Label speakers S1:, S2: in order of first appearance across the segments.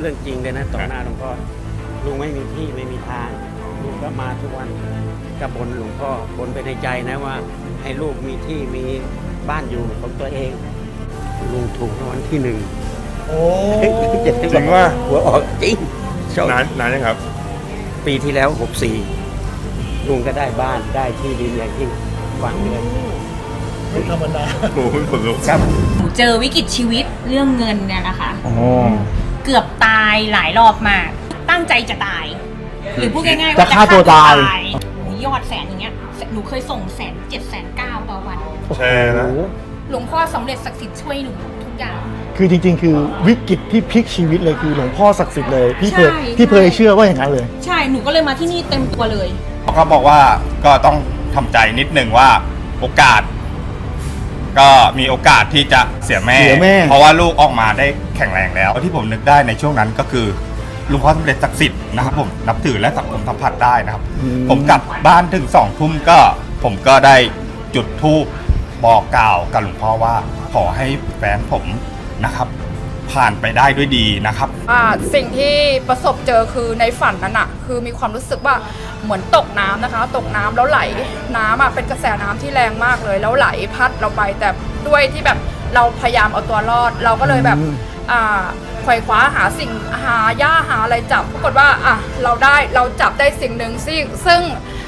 S1: รื่องจริงเลยนะต่อหน้าหลวงพ่อลุงไม่มีที่ไม่มีทางลุงก็มาทุกวันก็บ่นหลวงพ่อบ่นไปในใจนะว่าให้ลูกมีที่มีบ้านอยู่ของตัวเองลุงถูกรางวัลที่หนึ่ง
S2: โอ้จริงว่า
S1: หัวออกจริง
S2: นานยังครับ
S1: ปีที่แล้ว64ลุงก็ได้บ้านได้ที่ดินอย่างที่หวังเลยไม่ธรรมดา
S2: โอ้โหขนลุก
S1: ครับ
S3: หนูเจอวิกฤตชีวิตเรื่องเงินเนี่ยนะคะ
S2: อ๋อ
S3: เกือบตายหลายรอบมาก ตั้งใจจะตาย หรือพูดง่ายๆ
S4: จะ
S3: ว่า
S4: ฆ่าตัวตาย
S3: ยอดแสนอย่างเงี้ยหนูเคยส่ง107,900,000ต่อวัน
S2: แชร์นะ
S3: หลวงพ่อสำเร็จศักดิ์สิทธิ์ช่วยหนูทุกอย่าง
S4: คือจริงๆ คือวิกฤตที่พลิกชีวิตเลยคือหลวงพ่อศักดิ์สิทธิ์เลยพี่เคย
S3: ใช่
S4: พี่เคยเชื่อว่าอย่างนั้นเลย
S3: ใช่หนูก็เลยมาที่นี่เต็มตัวเลย
S5: เขาบอกว่าก็ต้องทำใจนิดนึงว่าโอกาส ก็มีโอกาสที่จะเสียแม่ เพราะว่าลูกออกมาได้แข็งแรงแล้วที่ผมนึกได้ในช่วงนั้นก็คือหลุงพ่อสำเร็จศักดิ์สิทธิ์นะครับผมนับถือและสังคมสัมผัสได้นะครับ ผมกลับบ้านถึง2 ทุ่มก็ผมก็ได้จุดธูปบอกกล่าวกับหลวงพ่อว่าขอให้แฟนผมนะครับ ผ่านไปได้ด้วยดีนะครับ
S6: สิ่งที่ประสบเจอคือในฝันนั้นอะคือมีความรู้สึกว่าเหมือนตกน้ำนะคะ ตกน้ำแล้วไหลน้ำอะเป็นกระแสน้ำที่แรงมากเลยแล้วไหลพัดเราไปแต่ด้วยที่แบบเราพยายามเอาตัวรอด เราก็เลยแบบไขว่คว้าหาสิ่งหาหญ้าหาอะไรจับปรากฏว่าเราจับได้สิ่งหนึ่งซึ่ง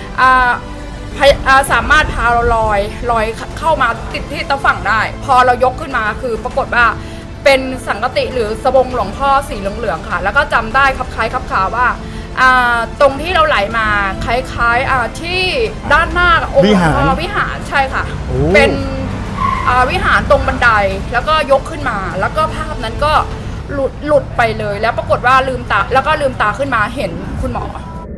S6: สามารถพาเราลอยเข้ามาติดที่ตะฝั่งได้ พอเรายกขึ้นมาคือปรากฏว่าเป็นสังกติหรือสบงหลวงพ่อสีเหลืองๆค่ะแล้วก็จำได้ครับคล้ายครับขาว่าตรงที่เราไหลมาคล้ายๆที่ด้านหน้าองค์หลวงพ่อวิหารใช่ค่ะเป็นวิหารตรงบันไดแล้วก็ยกขึ้นมาแล้วก็ภาพนั้นก็หลุดไปเลยแล้วปรากฏว่าลืมตาขึ้นมาเห็นคุณหมอ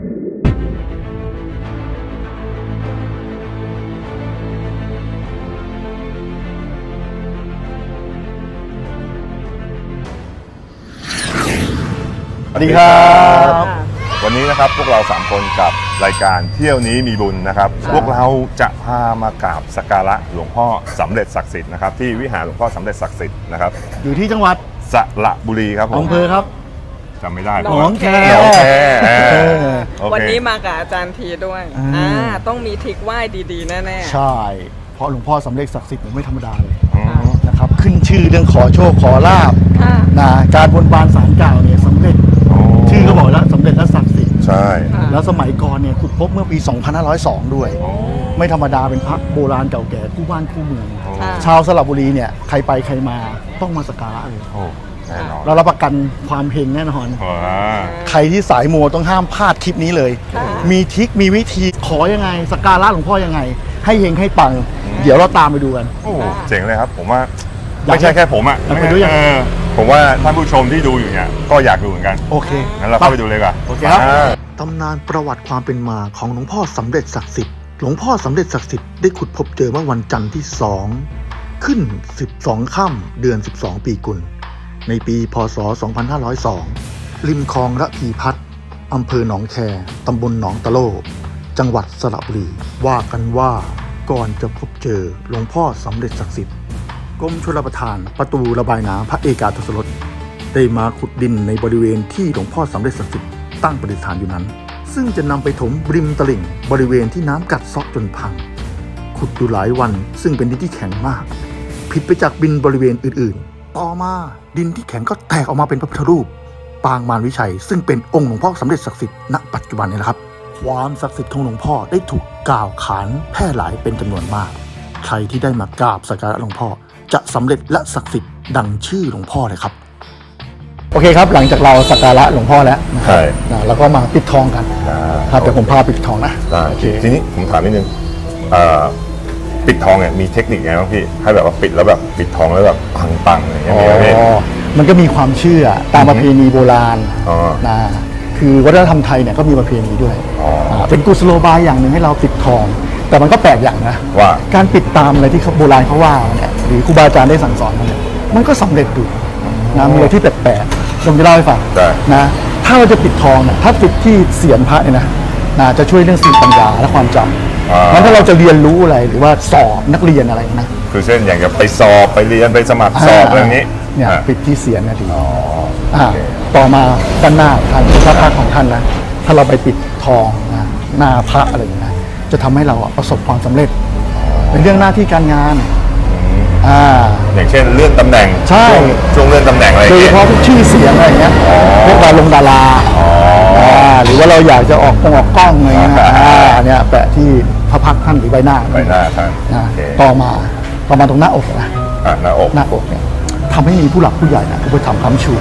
S2: สวัสดีครับวันนี้นะครับพวกเรา3คนกับรายการเที่ยวนี้มีบุญนะครับพวกเราจะพามากราบสักการะหลวงพ่อสำเร็จศักดิ์สิทธิ์นะครับที่วิหารหลวงพ่อสำเร็จศักดิ์สิทธิ์นะครับ
S4: อยู่ที่จังหวัด
S2: สระบุรีครับผม
S4: อำเภอครับ
S2: จำไม่ได้
S4: หนองแค
S2: หนองแคโอเค
S7: วันนี้มากับอาจารย์ทีด้วย ต้องมีทริกไหว้ดีๆแน่ๆ
S4: ใช่เพราะหลวงพ่อสำเร็จศักดิ์สิทธิ์ไม่ธรรมดาเลย
S2: อืม
S4: นะครับขึ้นชื่อเรื่องขอโชคขอลาบ
S7: ค่ะ
S4: นะการบนบานศาลกล่าวเนี่ยสำเร็จ
S2: อ๋อ
S4: ชื่อก็บอกแล้วสำเร็จและศักดิ์สิทธิ์
S2: ใช่
S4: แล้วสมัยก่อนเนี่ยขุดพบเมื่อปี 2502 ด้วย ไม่ธรรมดาเป็นพระโบราณเก่าแก่คู่บ้านคู่เมือง
S7: ค่ะ
S4: ชาวสระบุรีเนี่ยใครไปใครมาต้องมาสักการะเลย
S2: โอ้แน่นอน
S4: เรารับประกันความเฮงแน่นอน
S2: ว้า
S4: ใครที่สายมูต้องห้ามพลาดคลิปนี้เลย มีทริคมีวิธีขอยังไงสักการะหลวงพ่อยังไง ให้เฮงให้ปัง เดี๋ยวเราตามไปดูกัน
S2: โอ้เจ๋งเลยครับผมว่า
S4: อยาก
S2: ไม่ใช่แค่ผมอ่ะ
S4: อยากไปดูยัง
S2: ผมว่าท่านผู้ชมที่ดูอยู่เนี่ยก็อยากดูเหมือนกัน
S4: โอเค
S2: งั้นเราเข้าไปดูเลยดีกว่า
S4: โอเคครับ
S2: อ่า
S4: ตำนานประวัติความเป็นมาของหลวงพ่อสำเร็จศักดิ์สิทธิ์หลวงพ่อสำเร็จศักดิ์สิทธิ์ได้ขุดพบเจอเมื่อวันจันทร์ที่ 2 ขึ้น 12 ค่ำเดือน 12 ปีกุล ในปีพศ 2502 ริมคลองระพีพัฒน์อำเภอหนองแคตำบลหนองตะโลจังหวัดสระบุรีว่ากันว่าก่อนจะพบเจอหลวงพ่อสำเร็จศักดิ์สิทธิ์กรมชลประทานประตูระบายน้ำพระเอกาทศรสได้มาขุดดินในบริเวณที่หลวงพ่อสำเร็จศักดิ์สิทธิ์ตั้งประดิษฐานอยู่นั้น ซึ่งจะนำไปถมริมตลิ่งบริเวณที่น้ำกัดเซาะจนพัง ขุดอยู่หลายวันซึ่งเป็นดินที่แข็งมาก ผิดไปจากดินบริเวณอื่นๆ ต่อมาดินที่แข็งก็แตกออกมาเป็นพระพุทธรูป ปางมารวิชัย ซึ่งเป็นองค์หลวงพ่อสำเร็จศักดิ์สิทธิ์ณปัจจุบันนี้แหละครับ ความศักดิ์สิทธิ์ของหลวงพ่อได้ถูกกล่าวขานแพร่หลายเป็นจำนวนมาก ใครที่ได้มากราบสักการะหลวงพ่อจะสำเร็จและศักดิ์สิทธิ์ดังชื่อหลวงพ่อเลยครับ โอเคครับหลังจากเราสักการะหลวงพ่อแล้วนะครับ
S2: ใช่
S4: แล้วก็มาปิดทองกันครับเดี๋ยวผมพาปิดทองนะ
S2: ได้
S4: โอเค
S2: ทีนี้ผมถามนิดนึงปิดทองเนี่ยมีเทคนิคไงบ้างพี่ให้แบบว่าปิดแล้วแบบปิดทองแล้วแบบปังๆอย่างเงี้ยมีไหมพี่
S4: มันก็มีความเชื่อตามประเพณีโบราณ
S2: อ๋อ
S4: นะคือวัฒนธรรมไทยเนี่ยก็มีประเพณีด้วย
S2: อ๋ออ่
S4: เป็นกุศโลบายอย่างหนึ่งให้เราปิดทอง แต่มันก็แปลกอย่างนะ
S2: ว่า
S4: การปิดตามอะไรที่โบราณเขาว่าเนี่ยหรือครูบาอาจารย์ได้สั่งสอนมาเนี่ยมันก็สำเร็จดูนะมีอะไรที่แปลกๆผมจะเล่าให้ฟัง
S2: ได้
S4: นะถ้าเราจะปิดทองเนี่ยถ้าปิดที่เสียรพระเนี่ยนะจะช่วยเรื่องสติปัญญาและความจำงั้นถ้าเราจะเรียนรู้อะไรหรือว่าสอบนักเรียนอะไรนะ
S2: คือเช่นอย่างกับไปสอบไปเรียนไปสมัครสอบอะไรอย่างนี้
S4: เนี่ยปิดที่เสียรเนี่ยดี
S2: อ๋อโอเค
S4: ต่อมาด้านหน้าท่านพระพักตร์ของท่านนะถ้าเราไปปิดทองนะหน้าพระอะไรอย่างเงี้ยจะทำให้เราประสบความสำเร็จในเรื่องหน้าที่การงาน
S2: อย่างเช่นเลื่อนตำแหน่ง
S4: ใช่
S2: ช่วงเลื่อนตำแหน่งอะไร
S4: โดยเฉพาะพวกชื่อเสียงอะไรอย่างเงี้ยพวกดาราหรือว่าเราอยากจะออกกล้องอะไรเงี้ยอันเนี้ยแปะที่พระพักตร์ท่านหรือใบหน้า
S2: ท่าน
S4: ต่อมาตรงหน้าอกนะ
S2: หน้าอก
S4: เนี่ยทำให้มีผู้หลักผู้ใหญ่นะอุปถัมภ์ค้ำชู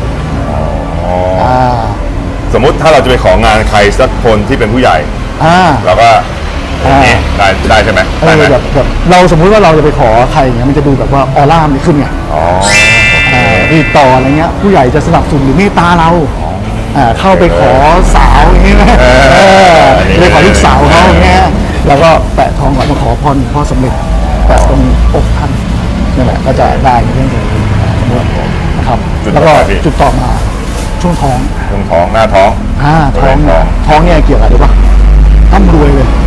S2: สมมุติถ้าเราจะไปของานใครสักคนที่เป็นผู้ใหญ่เราก็ได้ใช่ไหม
S4: แบบเราสมมุติว่าเราจะไปขอใครอย่างเงี้ยมันจะดูแบบว่าออร่ามันขึ้นไงติดต่ออะไรเงี้ยผู้ใหญ่จะสนับสนุนหรือเมตตาเราเข้าไปขอสาวอย่างเงี้ยไปขอลูกสาวเขาอย่างเงี้ยแล้วก็แปะทองก่อนมาขอพรพ่อสำเร็จแปะตรงอกท่านนี่แหละก็จะได้ในเรื่องนี้นะครับแล้วก็จุดต่อมาช่วงท้อง
S2: หน้าท้อง
S4: ท้องเนี่ยเกี่ยวกับอะไรปะร่ำรวยเลย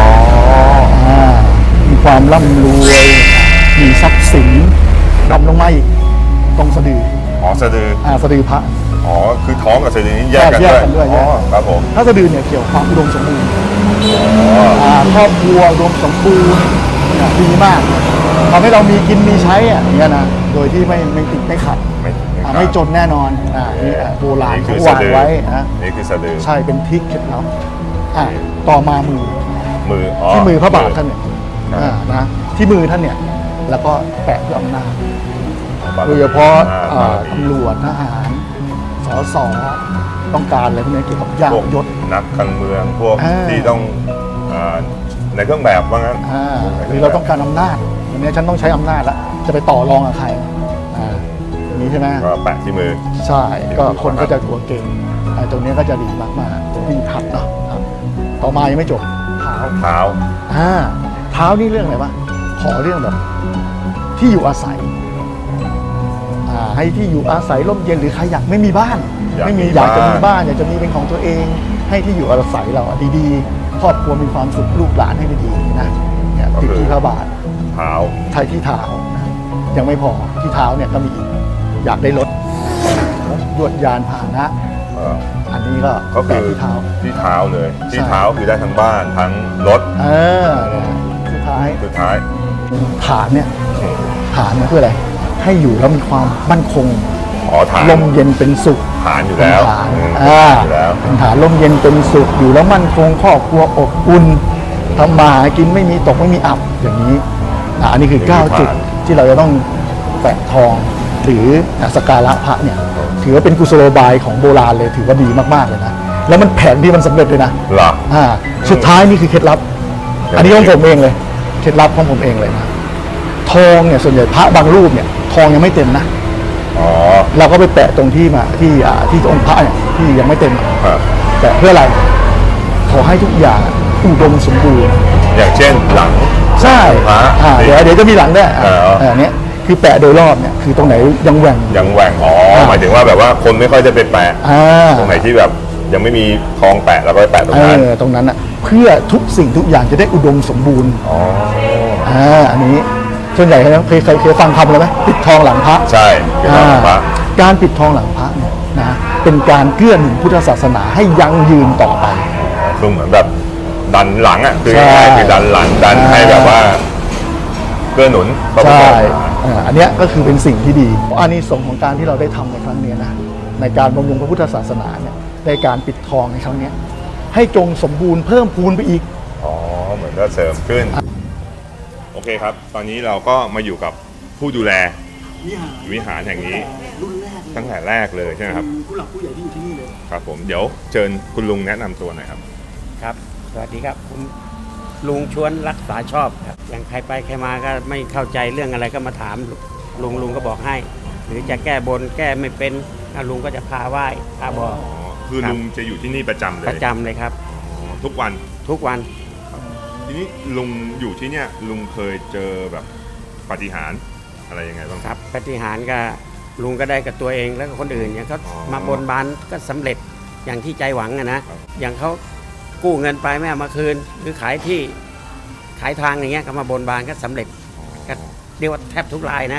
S4: มีความร่ำรวยมีทรัพย์สินดำลงมาอีกตรงสะดือ
S2: สะดือ
S4: สะดือพระ
S2: คือท้องกับสะดือนี้แยกกันด้วยครับผม
S4: ถ้าสะดือเนี่ยเกี่ยวความอุดมสมบูรณ์ครอบครัวอุดมสมบูรณ์ดีมากทำให้เรามีกินมีใช้อย่างเงี้ยนะโดยที่ไม่ติดไม่ขัดไม่จนแน่นอนนี่โบราณเขาวางไว้
S2: นี่คือสะดือ
S4: ใช่เป็นทิศเคล็ดลับต่อมามือที่มือพระบาทท่านเนี่ยนะที่มือท่านเนี่ยแล้วก็แปะเพื่ออำนาจโดยเฉพาะตำรวจทหารส.ต้องการอะไรพวกนี้เกี่ยวกับยศ
S2: นักการเมืองพวกที่ต้องในเครื่องแบบว่างั้น
S4: หรือเราต้องการอำนาจวันนี้ฉันต้องใช้อำนาจแล้วจะไปต่อรองกับใครนี้ใช่ไหม
S2: ก็แปะที่มือ
S4: ใช่ก็คนก็จะกลัวเก่งตรงนี้ก็จะดีมากๆที่ขัดเนาะต่อมายังไม่จบ
S2: เท้
S4: านี่เรื่องอะไรวะขอเรื่องแบบที่อยู่อาศัยให้ที่อยู่อาศัยร่มเย็นหรือใครอยากไม่มีบ้านอยากจะมีบ้านอยากจะมีเป็นของตัวเองให้ที่อยู่อาศัยเราดีๆครอบครัวมีความสุขลูกหลานให้ดีๆนะเนี่ยติดที่พระบาทไทยที่เท้ายังไม่พอที่เท้าเนี่ยก็มีอยากได้รถยวดยานพาหนะอันนี้ก็
S2: คือที่เท้าเลยที่เท้าคือได้ทั้งบ้านทั้งรถ
S4: สุดท้ายฐานเนี่ยเพื่ออะไรให้อยู่แล้วมีความมั่นคงลมเย็นเป็นสุข
S2: ฐานอยู่แล้ว
S4: เป็นฐานลมเย็นเป็นสุขอยู่แล้วมั่นคงครอบครัวอบอุ่นทำมาหากินไม่มีตกไม่มีอับอย่างนี้อันนี้คือ9จุดที่เราจะต้องแปะทองหรือสักการะพระเนี่ยถือว่าเป็นกุศโลบายของโบราณเลยถือว่าดีมากๆเลยนะแล้วมันแผนที่มันสำเร็จเลยนะสุดท้ายนี่คือเคล็ดลับอันนี้ของผมเองเลยเคล็ดลับของผมเองเลยนะทองเนี่ยส่วนใหญ่พระบางรูปเนี่ยทองยังไม่เต็มนะเราก็ไปแปะตรงที่องค์พระเนี่ยที่ยังไม่เต็มแปะเพื่ออะไรขอให้ทุกอย่างอุดมสมบูรณ์
S2: อย่างเช่นหลัง
S4: ใช่เดี๋ยวจะมีหลังด้วยอันนี้คือแปะโดยรอบเนี่ยคือตรงไหนยังแหว่ง
S2: หมายถึงว่าแบบว่าคนไม่ค่อยจะไปแปะตรงไหนที่แบบยังไม่มีทองแปะแล้วก็ไปแปะตรง
S4: นั้นอ่ะเพื่อทุกสิ่งทุกอย่างจะได้อุดมสมบูรณ์อันนี้ส่วนใหญ่เคยฟังคำเลยไหมปิดทองหลังพระ
S2: ใช่ปิดทองหลังพระ
S4: การปิดทองหลังพระเนี่ยนะเป็นการเกื้อหนุนพุทธศาสนาให้ยั่งยืนต่อไป
S2: คือเหมือนแบบดันหลังอ่ะคือดันหลังดันให้แบบว่าเกื้อหนุน
S4: ใช่อันนี้ก็คือเป็นสิ่งที่ดีอานิสงส์ของการที่เราได้ทำในครั้งนี้นะในการบำรุงพระพุทธศาสนาเนี่ยในการปิดทองในครั้งนี้ให้จงสมบูรณ์เพิ่มพูนไปอีก
S2: เหมือนก็เสริมขึ้นโอเคครับตอนนี้เราก็มาอยู่กับผู้ดูแลวิหารแห่งนี้ตั้งแต่แรกเลยใช่ไหมครับ
S4: ผู้หลักผู้ใหญ่ที่อยู่ที่นี่เลย
S2: ครับผมเดี๋ยวเชิญคุณลุงแนะนำตัวหน่อยครับ
S1: ครับสวัสดีครับผมลุงชวนรักษาชอบครับอย่างใครไปใครมาก็ไม่เข้าใจเรื่องอะไรก็มาถามลุงก็บอกให้หรือจะแก้บนแก้ไม่เป็นลุงก็จะพาไหว้พาบอก
S2: คือลุงจะอยู่ที่นี่ประจำ
S1: เลยครับ
S2: ทุกวันทีนี้ลุงอยู่ที่เนี่ยลุงเคยเจอแบบปาฏิหาริย์อะไรยังไงบ้าง
S1: ครับปาฏิหาริย์ก็ลุงก็ได้กับตัวเองแล้วก็คนอื่นอย่างเขามาบนบานก็สำเร็จอย่างที่ใจหวังนะอย่างเขากู้เงินไปไม่เอามาคืนหรือขายที่ขายทางอย่างเงี้ยก็มาบนบานก็สำเร็จก็เรียกว่าแทบทุกรายนะ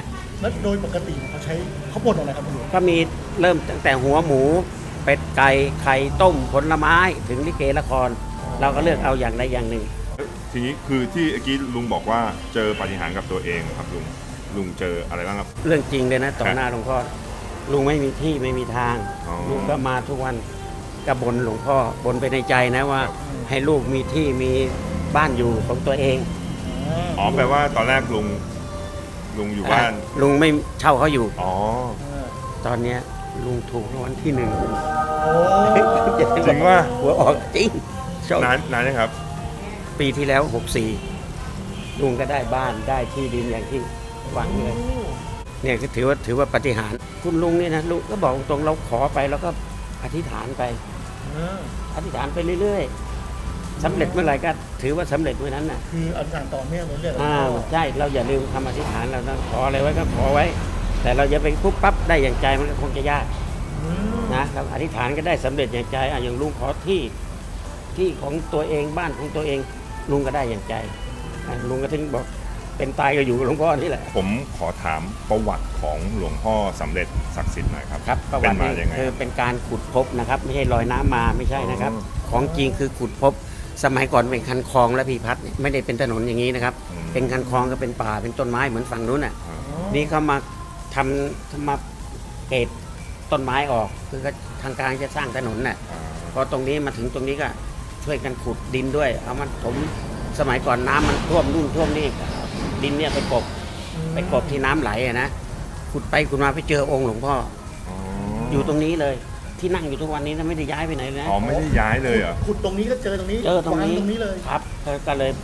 S4: แล้วโดยปกติเขาบดอะไรครับคุณหลวง
S1: ก็มีเริ่มตั้งแต่หัวหมู เป็ดไก่ไข่ต้มผลไม้ถึงลิเกละคร เราก็เลือกเอาอย่างใดอย่างหนึ่ง
S2: ทีนี้คือที่เมื่อกี้ลุงบอกว่าเจอปาฏิหาริย์กับตัวเองครับลุงเจออะไรบ้างครับ
S1: เรื่องจริงเลยนะต่อหน้าหลวงพ่อลุงไม่มีที่ไม่มีทาง
S2: อ๋อ
S1: ลุงก็มาทุกวันก็บนหลวงพ่อบนไปในใจนะว่า ให้ลูกมีที่มีบ้านอยู่ของตัวเอง
S2: อ๋อแปลว่าตอนแรกลุงอยู่บ้าน
S1: ลุงไม่เช่าเขาอยู่
S2: อ๋อ
S1: ตอนเนี้ยลุงถูกรางวัลที่ 1
S2: จริงว่า
S1: หัวออกจริงโชคน
S2: านนะครับ
S1: ปีที่แล้ว 64 ลุงก็ได้บ้านได้ที่ดินอย่างที่หวังเลยเนี่ยก็ถือว่าปาฏิหาริย์คุณลุงนี่นะลุงก็บอกตรงๆเราขอไปแล้วก็อธิษฐานไปอธิษฐานไปเรื่อยๆสำเร็จเมื่อไหร่ก็ถือว่าสำเร็จเมื่อนั้นน่ะ
S4: คืออธิษฐานต่อเนื่องเรื่อยๆ
S1: ใช่เราอย่าลืมคำอธิษฐานเราต้องขออะไรไว้ก็ขอไว้ แต่เราอย่าไปปุ๊บปั๊บได้อย่างใจมันก็คงจะยากนะเราอธิษฐานก็ได้สำเร็จอย่างใจอย่างลุงขอที่ของตัวเองบ้านของตัวเองลุงก็ได้อย่างใจลุงก็ถึงบอกเป็นตายก็อยู่กับหลวงพ่อนี่แหละ
S2: ผมขอถามประวัติของหลวงพ่อสำเร็จศักดิ์สิทธิ์หน่อยครับ
S1: ครับประ
S2: เป็
S1: วัน ติ
S2: มา
S1: นี้
S2: ยังไง
S1: คือเป็นการขุดพบนะครับไม่ใช่ลอยน้ำมาไม่ใช่นะครับ
S2: อ๋อ
S1: ของจริงคือขุดพบสมัยก่อนเป็นคันคลองและพีพัฒน์ไม่ได้เป็นถนนอย่างนี้นะครับ เป็นคันคลองก็เป็นป่าเป็นต้นไม้เหมือนฝั่งนู้นน่ะ นี่เขามาทำมาเกตต้นไม้ออกคือทางการจะสร้างถนนน่ะพอตรงนี้มาถึงตรงนี้ก็ช่วยกันขุดดินด้วยเอามันถมสมัยก่อนน้ำมันท่วมนู่นท่วมนี่ดินเนี่ยไปกบที่น้ำไหลอะนะขุดไปขุดมาไปเจอองค์หลวงพ่ออยู่ตรงนี้เลยที่นั่งอยู่ทุกวันนี้นะไม่ได้ย้ายไปไหนเลยนะ
S2: อ๋อไม่ได้ย้ายเลยเหรอ
S4: ขุดตรงนี้ก็เจอตรงนี้
S1: เจอตรงนี้
S4: วาตรงนี้เลย
S1: ครับก็เลย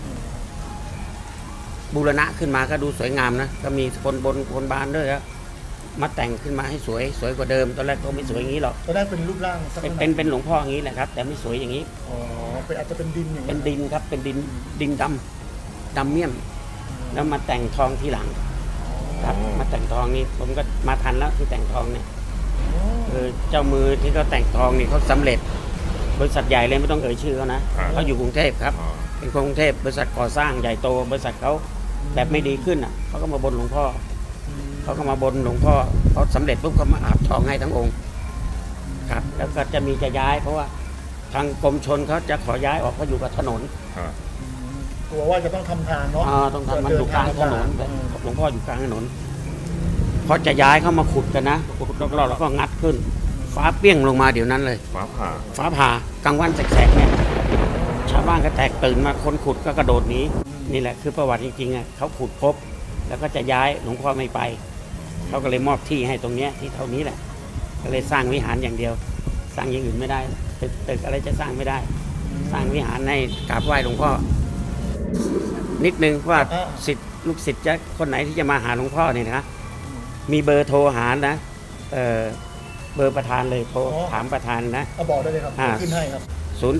S1: บูรณะขึ้นมาก็ดูสวยงามนะก็มีคนบนคนบานด้วยครับมาแต่งขึ้นมาให้สวยกว่าเดิมตอนแรกก็ไม่สวยอย่างนี้หรอก
S4: ตอนแรกเป็นรูปร่างสัก
S1: เป็นหลวงพ่ออย่างนี้แหละครับ แต่ไม่สวยอย่างนี้
S4: อ๋อเป็นอาจจะเป็นดินอย่าง
S1: เป็
S4: นี้
S1: นดินครับเป็นดินดำเมี่ยม แล้วมาแต่งทองทีหลัง ครับมาแต่งทองนี่ผมก็มาทันแล้วที่แต่งทองเนี่ยคือเจ้ามือที่เขาแต่งทองนี่เขาสำเร็จบริษัทใหญ่เลยไม่ต้องเอ่ยชื่อเขานะเขาอยู่กรุงเทพครับ เป็นคนกรุงเทพบริษัทก่อสร้างใหญ่โตบริษัทเขาแบบไม่ดีขึ้นอ่ะเขาก็มาบนหลวงพ่อเขาก็มาบนหลวงพ่อเขาสำเร็จปุ๊บเขามาอาบทองให้ทั้งองค์ครับแล้วก็จะมีจะย้าย เพราะว่าทางกรมชลเขาจะขอย้ายออกเขาอยู่กับถนน
S4: กลัวว่าจะต้องทำทางเนาะ
S1: ต้องทำมันอยู่กลางถนนหลวงพ่ออยู่กลางถนนพอจะย้ายเข้ามาขุดกันนะขุดรอบๆแล้วก็งัดขึ้น ฟ้าเปี้ยงลงมาเดี๋ยวนั้นเลย
S2: ฟ้าผ่า
S1: ฟ้าผ่ากลางวันแสกๆเนี่ยชาวบ้านก็แตกตื่นมาคนขุดก็กระโดดหนีนี่แหละคือประวัติจริงๆอ่ะเขาขุดพบแล้วก็จะย้ายหลวงพ่อไม่ไปเขาก็เลยมอบที่ให้ตรงเนี้ยที่เท่านี้แหละก็เลยสร้างวิหารอย่างเดียว สร้างอย่างอื่นไม่ได้ตึกอะไรจะสร้างไม่ได้ สร้างวิหารให้กราบไหว้หลวงพ่อนิดนึงว่าศิษย์ลูกศิษย์จะคนไหนที่จะมาหาหลวงพ่อเนี่ยนะมีเบอร์โทรหานะเบอร์ประธานเลยโทรถามประธานนะ
S4: เอาบอกได้เลยครับขึ้นให้ครับ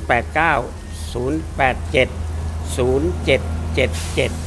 S1: 089 087 0777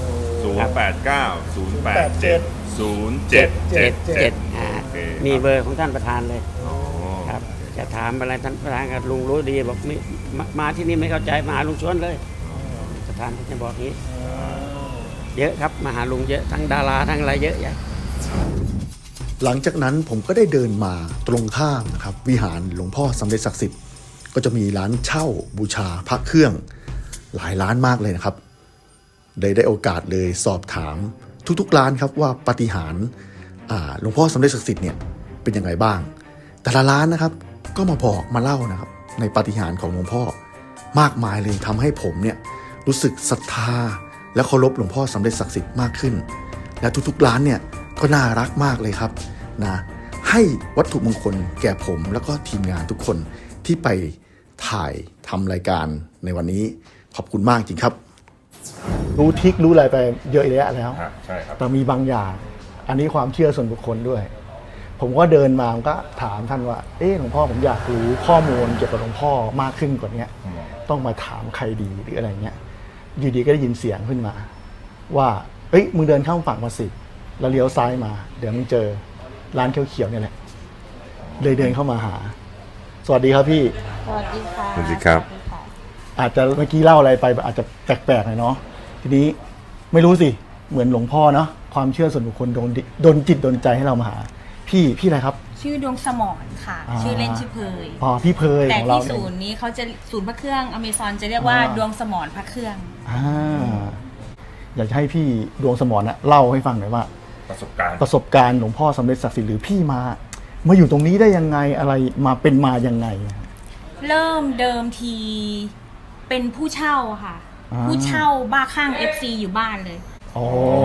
S2: 089
S1: มีเบอร์ของท่านประธานเลยครับจะถามอะไรท่านประธานกับลุงรู้ดีบอกมาที่นี่ไม่เข้าใจมาหาลุงชวนเลยประธานจะบอกนี้เยอะครับมาหาลุงเยอะทั้งดาราทั้งอะไรเยอะแยะ
S4: หลังจากนั้นผมก็ได้เดินมาตรงข้ามนะครับวิหารหลวงพ่อสำเร็จศักดิ์สิทธิ์ก็จะมีร้านเช่าบูชาพระเครื่องหลายร้านมากเลยนะครับได้โอกาสเลยสอบถามทุกๆร้านครับว่าปาฏิหาริย์หลวงพ่อสำเร็จศักดิ์สิทธิ์เนี่ยเป็นยังไงบ้างแต่ละร้านนะครับก็มาบอกมาเล่านะครับในปาฏิหาริย์ของหลวงพ่อมากมายเลยทำให้ผมเนี่ยรู้สึกศรัทธาและเคารพหลวงพ่อสำเร็จศักดิ์สิทธิ์มากขึ้นและทุกๆร้านเนี่ยก็น่ารักมากเลยครับนะให้วัตถุมงคลแก่ผมแล้วก็ทีมงานทุกคนที่ไปถ่ายทำรายการในวันนี้ขอบคุณมากจริงครับรู้ทิกรู้อะไรไปเยอะแยะแล้ว
S2: ใช่ครับ
S4: แต่มีบางอย่างอันนี้ความเชื่อส่วนบุคคลด้วย ผมก็เดินมาก็ถามท่านว่าหลวงพ่อผมอยากรู้ข้อมูลเกี่ยวกับหลวงพ่อมากขึ้นกว่านี้ต้องมาถามใครดีหรืออะไรเงี้ยอยู่ดีก็ได้ยินเสียงขึ้นมาว่ามึงเดินข้ามฝั่งมาสิแล้วเลี้ยวซ้ายมาเดี๋ยวมึงเจอร้านเขียวๆเนี่ยแหละเลยเดินเข้ามาหาสวัสดีครับพี่
S8: สวัสดีค่ะ
S2: สวัสดีครับ
S4: อาจจะเมื่อกี้เล่าอะไรไปอาจจะแปลกๆหน่อยเนาะทีนี้ไม่รู้สิเหมือนหลวงพ่อเนาะขความเชื่อส่วนบุคคลโดนจิตโดนใจให้เรามาหาพี่อะไรครับ
S3: ชื่อดวงสมรค่ะ
S4: อ่า
S3: ชื่อเล่นชื่อเพย
S4: อ๋อพี่เพย
S3: แต่
S4: ของเรา
S3: ที่ศูนย์นี้เขาจะศูนย์พระเครื่องอเมซอนจะเรียกว่าดวงสมรพระเครื่อง
S4: อยากจะให้พี่ดวงสมรนะเล่าให้ฟังหน่อยว่า
S2: ประสบการณ์
S4: ประสบการณ์หลวงพ่อสำเร็จศักดิ์สิทธิ์หรือพี่มาอยู่ตรงนี้ได้ยังไงอะไรมาเป็นมายังไง
S3: เริ่มเดิมทีเป็นผู้เช่าค่ะ ผู้เช่าบ้าข้าง FC อยู่บ้านเลย
S4: โอ้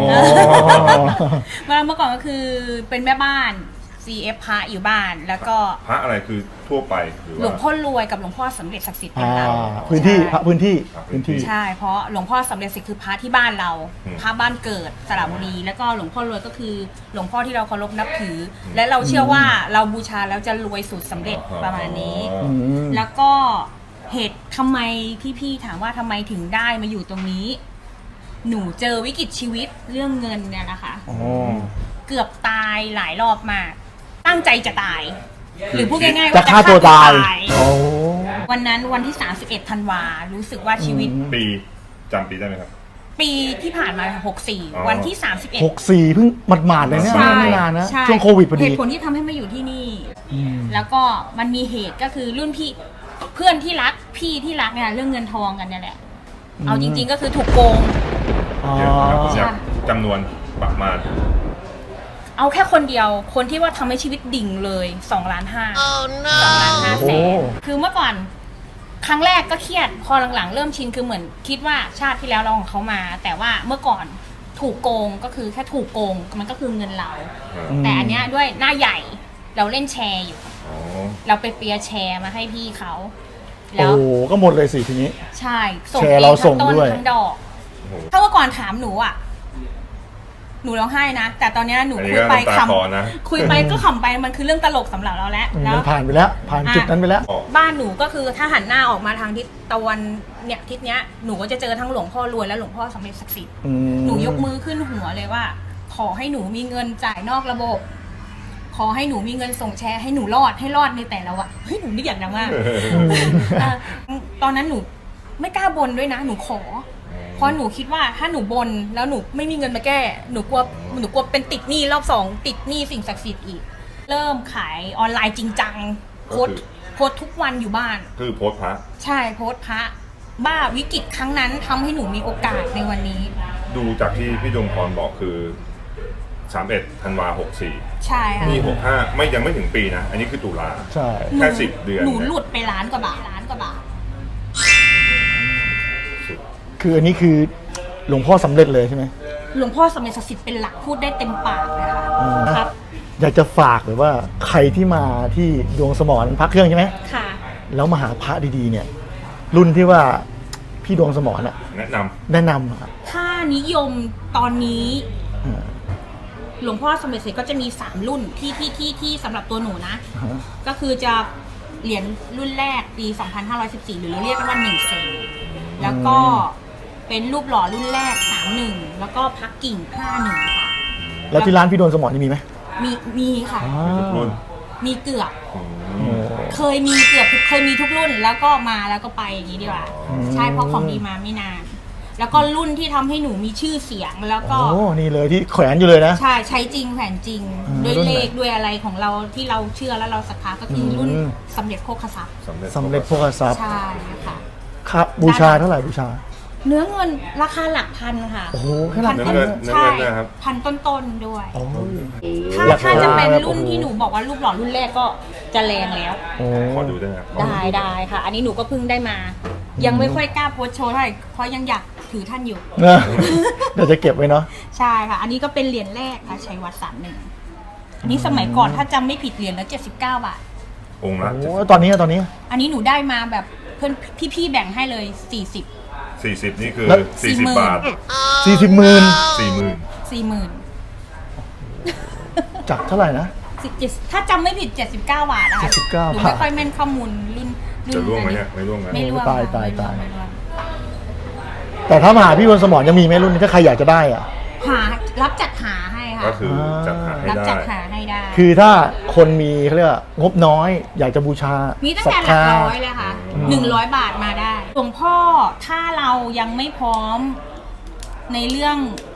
S3: เมื่อก่อนก็คือเป็นแม่บ้าน CF พระอยู่บ้านแล้วก็
S2: พระอะไรคือทั่วไปหรือ
S3: หลวง
S2: ว่า
S3: พ่อรวยกับหลวงพ่อสำเร็จศักดิ์สิทธิ์เป็นเรา
S4: พื้นที่พระพื้นที่
S3: ใช่เพราะหลวงพ่อสำเร็จศักดิ์สิทธิ์คือพระที่บ้านเราพระบ้านเกิดสระบุรีแล้วก็หลวงพ่อรวยก็คือหลวงพ่อที่เราเคารพนับถือ และเราเชื่อว่าเราบูชาแล้วจะรวยสุดสำเร็จประมาณนี้ แล้วก็เหตุทำไมพี่ๆถามว่าทำไมถึงได้มาอยู่ตรงนี้ หนูเจอวิกฤตชีวิตเรื่องเงินเนี่ยนะคะ เกือบตายหลายรอบมาก ตั้งใจจะตาย หรือพูดง่ายๆ
S4: จะ
S3: ว่า
S4: ฆ่าตัวตาย
S3: วันนั้นวันที่ 31 ธันวารู้สึกว่าชีวิต
S2: ปีจำปีได้ไหมครับ
S3: ปีที่ผ่านมา
S2: อ๋อ
S3: 64 วันที่ 31
S4: 64เพิ่งหมาดๆเลยเนี่ย
S3: ใช่
S4: ไม่นานนะ
S3: ใช่
S4: ช่วงโควิดพอ
S3: เห
S4: ดี
S3: ตุผลที่ทำให้มาอยู่ที่นี่ แล้วก็มันมีเหตุก็คือรุ่นพี่เพื่อนที่รักพี่ที่รักเนี่ยเรื่องเงินทองกันเนี่ยแหละ เอาจริง ๆ ก็คือถูกโกง
S2: เดี๋ยวนะครับผมอยากจำนวนประมาณ
S3: เอาแค่คนเดียวคนที่ว่าทำให้ชีวิตดิ่งเลย2 ล้าน5 2 ล้าน5 แสนคือเมื่อก่อนครั้งแรกก็เครียดพอหลังๆเริ่มชินคือเหมือนคิดว่าชาติที่แล้วเราของเขามา แต่ว่าเมื่อก่อนถูกโกงก็คือแค่ถูกโกงมันก็คือเงินเรา แต่อันเนี้ยด้วยหน้าใหญ่เราเล่นแชร์อยู่ เราไปเปียร์แชร์มาให้พี่เขาแล้ว
S4: โอ้ก็หมดเลยสิทีนี้
S3: ใช่ส่ง
S4: แชร์
S3: เอง
S4: เราส่
S3: ทั้
S4: ง
S3: งต้น
S4: ด้วย
S3: ทั้งดอก ถ้าเมื่อก่อนถามหนูอ่ะหนูร้องไห้นะแต่ตอนเนี้ยหนู
S2: อันนี้
S3: คุยไป
S2: ก็น้ำตาคลอนะ
S3: คุยไปก็ขำไปมันคือเรื่องตลกสำหรับเราแล้ว
S4: มันผ่านไปแล้ว ผ่านจุดนั้นไปแล้ว
S3: บ้านหนูก็คือถ้าหันหน้าออกมาทางทิศตะวันเนี่ยทิศเนี้ยหนูก็จะเจอทั้งหลวงพ่อรวยและหลวงพ่อสำเร็จศักดิ์สิทธิ์หนูยกมือขึ้นหัวเลยว่า ขอให้หนูมีเงินจ่ายนอกระบบ ขอให้หนูมีเงินส่งแชร์ให้หนูรอดในแต่ละวันเฮ้ยหนูนึกอย่างนั้นมากตอนนั้นหนูไม่กล้าบนด้วยนะหนูขอเพราะหนูคิดว่าถ้าหนูบนแล้วหนูไม่มีเงินมาแก้หนูกลัวเป็นติดหนี้รอบ2ติดหนี้สิ่งศักดิ์สิทธิ์อีกเริ่มขายออนไลน์จริงจังโพสต์ทุกวันอยู่บ้าน
S2: คือโพสต์พระ
S3: ใช่โพสต์พระบ้าวิกฤตครั้งนั้นทำให้หนูมีโอกาสในวันนี้
S2: ดูจากที่พี่ดวงพรบอกคือ31 ธันวา 64
S3: ใช่ค่ะ
S2: นี่65ไม่ยังไม่ถึงปีนะ อันนี้คือตุลา
S4: ใช่
S2: แค่10 เดือน
S3: หนูหลุดไปล้านกว่าบาท
S4: คืออันนี้คือหลวงพ่อสำเร็จเลยใช่ไหม
S3: หลวงพ่อสำเร็จศักดิ์สิทธิ์เป็นหลักพูดได้เต็มปากเลยค่ะครับ
S4: อยากจะฝากเลยว่าใครที่มาที่ดวงสมรพระเครื่องใช่ไหม
S3: ค่ะ
S4: แล้วมาหาพระดีๆเนี่ย รุ่นที่ว่าพี่ดวงสมรน่ะ
S2: แนะนำ
S4: อะ
S3: ถ้านิยมตอนนี้หลวงพ่อสมเด็จเสร็จก็จะมี3รุ่นที่สำหรับตัวหนูนะ ก็คือจะเหรียญรุ่นแรกปี 2514 หรือเรียกกันว่า1 เซนแล้วก็เป็นรูปหล่อรุ่นแรก 31 แล้วก็พักกิ่ง 51 ค่ะ
S4: แล้วที่ร้านพี่ดวงสมรนี่มีไหม
S3: มีค่ะ
S2: รุ่น
S3: มีเกือบ เคยมีทุกรุ่นแล้วก็มาแล้วก็ไปอย่างนี้ดีกว่า ใช่เพราะของดีมาไม่นาน แล้วก็รุ่นที่ทำให้หนูมีชื่อเสียงแล้วก็
S4: โอ้นี่เลยที่แขวนอยู่เลยนะ
S3: ใช้จริงแผนจริง ด้วยเลขด้วยอะไรของเราที่เราเชื่อแล้วเราศรัทธาก็คือรุ่นสำเร็จโภคทรัพย์
S4: สำเร็จโภคทรัพย์
S3: ใช่ค่ะ
S4: ครับบูชาเท่าไหร่บูชา
S3: เนื้อเงินราคาหลักพันค่ะ
S4: โอ้โหแค่หลัก
S3: พั
S2: เนื้อ
S3: ต้น
S2: เงิน
S3: ใช่
S2: นะครับ
S3: พันต้นๆด้วย
S4: โอ้ย
S3: ถ้าจะเป็นรุ่นที่หนูบอกว่ารูปหล่อรุ่นแรกก็จะแรงแล้ว
S4: โอ้
S2: ขอดูได้ไหมครับ
S3: ได้ค่ะ อันนี้หนูก็เพิ่งได้มา ยังไม่ค่อยกล้าโพสต์โชว์เท่าไหร่เพราะยังอยากถือท่านอยู่
S4: นะเดี๋ยวจะเก็บไว้เนาะ
S3: ใช่ค่ะ อันนี้ก็เป็นเหรียญแรกค่ะชัยวัฒน์31อันนี้สมัยก่อนถ้าจำไม่ผิดเหรียญละ79 บาท
S2: องค์ละ
S4: โอ้ตอนนี้
S3: อันนี้หนูได้มาแบบเพื่อนพี่ๆแบ่งให้เลย40
S2: 40 นี่คือ
S4: แล้ว
S2: 40 บาท
S4: 40 หมื่น
S2: 40,000
S4: จากเท่าไหร่นะ
S3: ถ้าจำไม่ผิด79 บาทนะคะ
S4: 79
S3: หนูไม่ค่อยแม่นข้อมูลรุ่น
S2: จะร่วงไหมเนี่ยไม่ร่วงนะ
S3: ไม่ร่วง
S4: ตาย
S3: ไม่ร่วงไม่ร่วง
S4: แต่ถ้ามาหาพี่ดวงสมรยังมีไหมรุ่นนี้ถ้าใครอยากจะได้อ่ะ
S3: รับจัดหาให้ค่ะ
S2: ก็คือจัดหาให้
S3: รับ
S2: ได้
S3: จัดหาให้ได้
S4: คือถ้าคนมีเขาเรียกว่างบน้อย อยากจะบูชา
S3: มีตั้ง
S4: ศรั
S3: แต่
S4: ท
S3: หลัก
S4: ธา
S3: ร้อยเลยค่ะ100 บาทมาได้หลวงพ่อถ้าเรายังไม่พร้อมในเรื่อง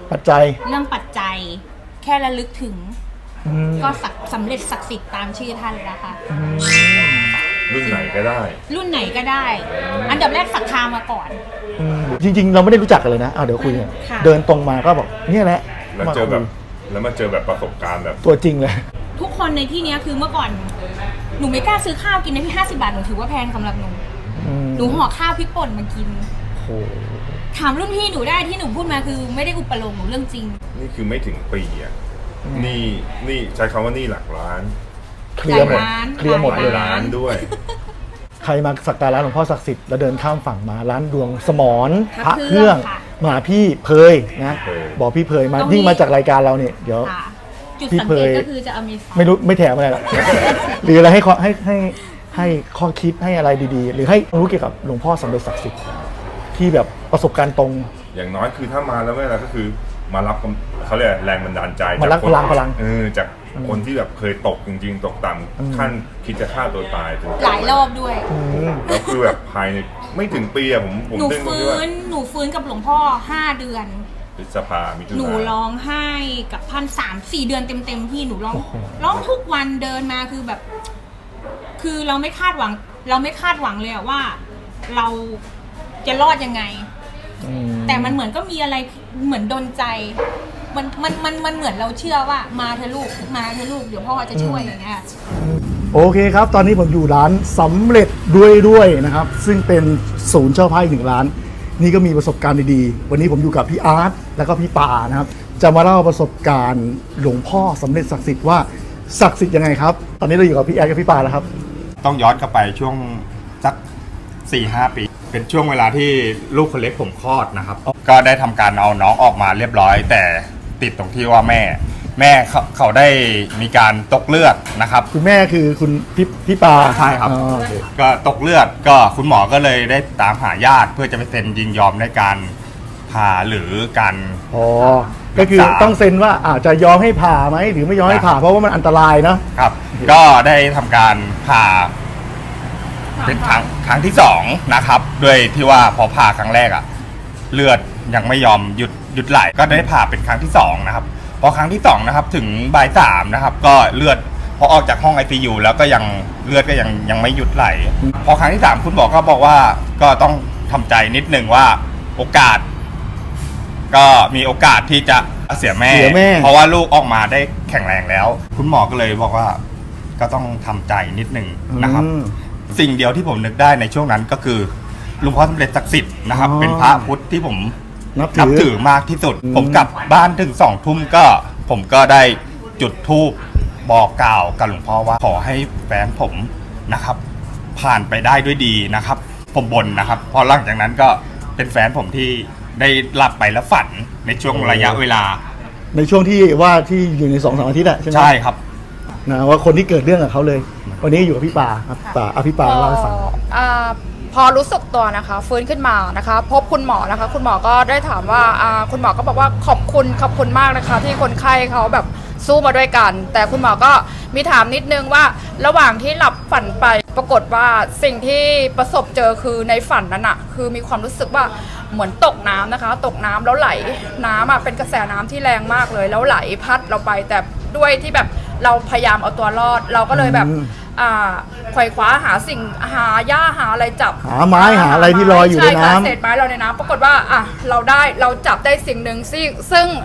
S4: ปัจจัย
S3: เรื่องปัจจัยแค่ระลึกถึง
S4: อืม
S3: ก็สำเร็จศักดิ์สิทธิ์ตามชื่อท่านแล้วค่ะ
S2: รุ่นไหนก็ได้
S3: รุ่นไหนก็ได้ อันดับแรกศรัทธามาก่อน
S4: จริงๆ เราไม่ได้รู้จักกันเลยนะเดี๋ยวคุยกัน
S3: ค่ะ
S4: เดินตรงมาก็บอกเนี่ยแหละ
S2: แล้วเจอแบบแล้วมาเจอแบบประสบการณ์แบบ
S4: ตัวจริงเลย
S3: ทุกคนในที่เนี้ยคือเมื่อก่อนหนูไม่กล้าซื้อข้าวกินในที่50 บาทหนูถือว่าแพงสำหรับหนูหนูห่อข้าวพริกป่นมากิน
S4: โอ้
S3: ถามรุ่นพี่หนูได้ที่หนูพูดมาคือไม่ได้อุปโลกน์หนูเรื่องจริง
S2: นี่คือไม่ถึงปีอ่ะนี่ใช้คำว่านี่หลักล้าน
S4: เคลียร์หมด
S3: ร้าน
S4: เคลียร์หมด
S2: หลายล้านด้วย
S4: ใครมาสักการะหลวงพ่อศักดิ์สิทธิ์แล้วเดินข้ามฝั่งมาร้านดวงสมร
S3: พระ
S4: เครื่อง
S3: ค่ะ
S4: มาพี่เพยนะ
S2: เพย
S4: บอกพี่เพยมา
S3: ตรงนี้
S4: ยิ่งมาจากรายการเราเนี่ยเดี๋ยว
S3: ค่ะ จุด
S4: พี่
S3: สัง
S4: เพ
S3: เกต
S4: ย
S3: ก็คือจะเอามีส
S4: ไม่รู้ไม่แถมอะไรหรอก หรืออะไรให้ข้อคิดให้อะไรดีๆ หรือให้รู้เกี่ยวกับหลวงพ่อสำเร็จศักดิ์สิทธิ์ที่แบบประสบการณ์ตรง
S2: อย่างน้อยคือถ้ามาแล้วไม่อะไรก็คือมารับเขาเรียกแรงบันดาลใจ
S4: มารับ
S2: จากคน
S4: พลัง
S2: จากคนที่แบบเคยตกจริงๆ ตกต่ำขั้นคิดจะฆ่าตัวตายจน
S3: หลายรอบด้วย
S2: แล้วคือแบบภายในไม่ถึงปีอะผม
S3: หนู
S2: ดึงตรง
S3: ฟื้
S2: ที่ว่าน
S3: หนูฟื้นกับหลวงพ่อ5 เดือน
S2: พฤษภามิถุ
S3: หนู
S2: นา
S3: ร้องไห้กับท่าน3-4 เดือนเต็มๆพี่หนูร้องทุกวันเดินมาคือแบบ คือเราไม่คาดหวังเลยอะว่า เราจะรอดยังไง แต่มันเหมือนก็มีอะไรเหมือนดลใจ มันเหมือนเราเชื่อว่ามาเธอะลูกเดี๋ยวพ่อจะช่วยอย่างเงี้ย
S4: โอเคครับ ตอนนี้ผมอยู่ร้านสำเร็จด้วยนะครับ ซึ่งเป็นศูนย์เช่าไพ่หนึ่งร้าน นี่ก็มีประสบการณ์ดีๆ วันนี้ผมอยู่กับพี่อาร์ตแล้วก็พี่ป่านะครับ จะมาเล่าประสบการณ์หลวงพ่อสำเร็จศักดิ์สิทธิ์ว่าศักดิ์สิทธิ์ยังไงครับ ตอนนี้เราอยู่กับพี่อาร์ตกับพี่ป่าแล้วครับ
S5: ต้องย้อนกลับไปช่วงสัก 4-5 ปี เป็นช่วงเวลาที่ลูกคนเล็กผมคลอดนะครับ ก็ได้ทำการเอาน้องออกมาเรียบร้อย แต่ติดตรงที่ว่าแม่เขาได้มีการตกเลือดนะครับ
S4: คุณแม่คือคุณพี่ป่า
S5: ใช่ครับ
S4: อ๋อโอเค
S5: ก็ตกเลือดก็คุณหมอก็เลยได้ตามหาญาติเพื่อจะไปเซ็นยินยอมในการผ่าหรือการ
S4: อ๋อก็คือ
S5: รักษา
S4: ต้องเซ็นว่าอาจจะยอมให้ผ่าไหมหรือไม่ยอมให้ผ่าเพราะว่ามันอันตรายเนาะ
S5: ครับ ก็ได้ทำการผ่าเป็นครั้งที่2นะครับด้วยที่ว่าพอผ่าครั้งแรกอะเลือดยังไม่ยอมหยุดไหลก็ได้ผ่าเป็นครั้งที่2นะครับพอครั้งที่2นะครับถึงบ่าย 3นะครับก็เลือดพอออกจากห้อง ICU แล้วก็ยังเลือดก็ยังไม่หยุดไหล พอครั้งที่3คุณหมอก็บอกว่าก็ต้องทำใจนิดนึงว่าโอกาส ก็มีโอกาสที่จะเสียแม่ เพราะว่าลูกออกมาได้แข็งแรงแล้ว คุณหมอก็เลยบอกว่าก็ต้องทำใจนิดนึงนะครับ สิ่งเดียวที่ผมนึกได้ในช่วงนั้นก็คือหลวงพ่อสำเร็จศักดิ์สิทธิ์นะครับ เป็นพระพุทธที่ผมนับถือมากที่สุด ผมกลับบ้านถึง2 ทุ่มก็ผมก็ได้จุดธูปบอกกล่าวกับหลวงพ่อว่าขอให้แฟนผมนะครับ ผ่านไปได้ด้วยดีนะครับ ผมบ่นนะครับพอหลังจากนั้นก็เป็นแฟนผมที่ได้หลับไปแล้วฝันในช่วงระยะเวลา
S4: ในช่วงที่อยู่ใน 2-3 อาทิตย์อะใช่ไหม
S5: ใช่ครับ
S4: นะว่าคนที่เกิดเรื่องกับเขาเลย วันนี้อยู่กับพี่ป่าครับป่าพี่ป่าเล่าให้ฟัง
S6: พอรู้สึกตัวนะคะฟื้นขึ้นมานะคะพบคุณหมอนะคะคุณหมอก็ได้ถามว่าคุณหมอก็บอกว่าขอบคุณมากนะคะที่คนไข้เขาแบบสู้มาด้วยกัน แต่คุณหมอก็มีถามนิดนึงว่าระหว่างที่หลับฝันไปปรากฏว่าสิ่งที่ประสบเจอคือในฝันนั้นอะคือมีความรู้สึกว่าเหมือนตกน้ำนะคะตกน้ำแล้วไหลน้ำเป็นกระแสน้ำที่แรงมากเลยแล้วไหลพัดเราไปแต่ด้วยที่แบบเราพยายามเอาตัวรอดเราก็เลยแบบไขว่คว้าหาหญ้าหาอะไรจับ
S4: หาไม้หาอะไรที่ลอยอยู่ในน้ำ
S6: ช่ค่ะเศษไม้ลอยในน้ำปรากฏว่าเราจับได้สิ่งหนึ่งซึ่ง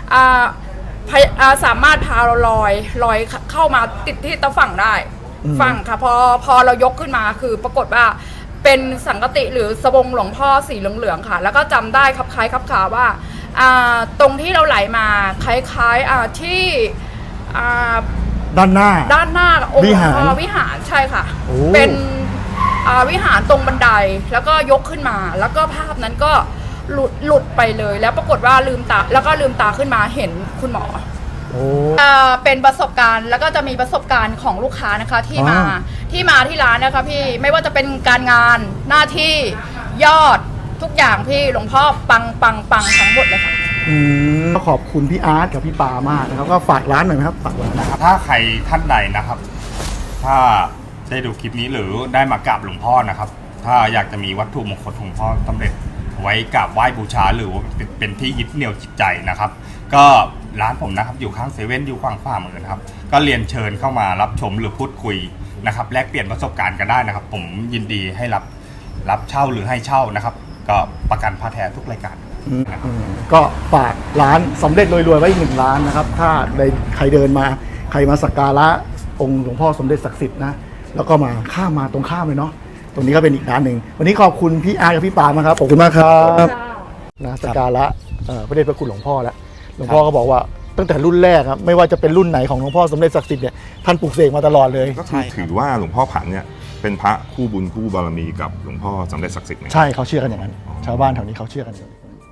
S6: สามารถพาเราลอยเข้ามาติดที่ตะฝั่งได้ฝั่งค่ะพอเรายกขึ้นมาคือปรากฏว่าเป็นสังกติหรือสบงหลวงพ่อสีเหลืองๆค่ะแล้วก็จำได้ครับคล้ายครับขาว่าตรงที่เราไหลมาคล้ายๆที่
S4: ด้านหน้า
S6: องค์หลวงพ่อวิหารใช่ค่ะเป็นวิหารตรงบันไดแล้วก็ยกขึ้นมาแล้วก็ภาพนั้นก็หลุดไปเลยแล้วปรากฏว่าลืมตาขึ้นมาเห็นคุณหมอเป็นประสบการณ์แล้วก็จะมีประสบการณ์ของลูกค้านะคะที่มาที่ร้านนะคะพี่ไม่ว่าจะเป็นการงานหน้าที่ยอดทุกอย่างพี่หลวงพ่อปังทั้งหมดเลยค่ะ
S4: ขอบคุณพี่อาร์ตกับพี่ปามากนะครับก็ฝากร้านหน่อยนะครับฝากร้านนะครับ
S5: ถ้าใครท่านใดนะครับ ถ้าได้ดูคลิปนี้หรือได้มากราบหลวงพ่อนะครับ ถ้าอยากจะมีวัตถุมงคลของหลวงพ่อสำเร็จไว้กราบไหว้บูชาหรือว่าเป็นที่ยึดเหนี่ยวจิตใจนะครับ ก็ร้านผมนะครับอยู่ข้างเซเว่นอยู่ข้างฝ่ามือนะครับก็เรียนเชิญเข้ามารับชมหรือพูดคุยนะครับแลกเปลี่ยนประสบการณ์กันได้นะครับ ผมยินดีให้รับเช่าหรือให้เช่านะครับ ก็ประกันผ้าแท้ทุกรายการนะครับ
S4: ก็ฝากร้านสำเร็จรวยๆไว้อีก1 ร้านนะครับถ้าใครเดินมาใครมาสักการะองค์หลวงพ่อสมเด็จศักดิ์สิทธิ์นะแล้วก็มาข้ามมาตรงข้ามเลยเนาะตรงนี้ก็เป็นอีกร้านหนึ่งวันนี้ขอบคุณพี่อาร์กับพี่ปามากครับขอบคุณมากครับนะสักการะพระเดชพระคุณหลวงพ่อแล้วหลวงพ่อก็บอกว่าตั้งแต่รุ่นแรกครับไม่ว่าจะเป็นรุ่นไหนของหลวงพ่อสมเด็จศักดิ์สิทธิ์เนี่ยท่านปลูกเสกมาตลอดเลย
S2: ก็คือถือว่าหลวงพ่อผันเนี่ยเป็นพระคู่บุญคู่บารมีกับหลวงพ่อสำเร็จศักดิ์สิทธิ์ไหม
S4: ใช่เขาเชื่อกันอย่างนั้นชาวบ้านแถวนี้เขาเชื่อกันอย่างนั้น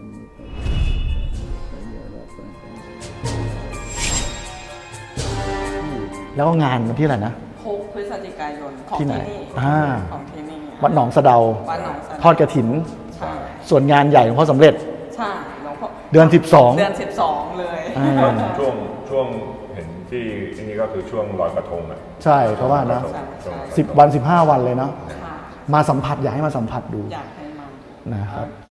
S4: แล้วก็งานวันที่อะไรนะ
S7: 6 พฤศจิกายนของ
S4: ที่ไหน
S7: ของที่นี่
S4: วัดหนองสะเดา
S7: วัดหนองสะเดา
S4: ทอดกฐิน
S7: ใช่
S4: ส่วนงานใหญ่หลวงพ่อสำเร็จ
S7: ใช่หลวงพ่อ
S4: เดือน
S7: เดือน
S4: 12
S7: เลย
S2: ช่วงเห็นที่นี่ก็คือช่วงลอยกระทงอ่ะ
S4: ใช่เขาว่านะ
S7: ใช่
S4: 10 วัน 15 วันเลยเนาะ
S7: ค่ะ
S4: มาสัมผัสอยากให้มาสัมผัสดู
S7: อยากให้มา
S4: นะครับ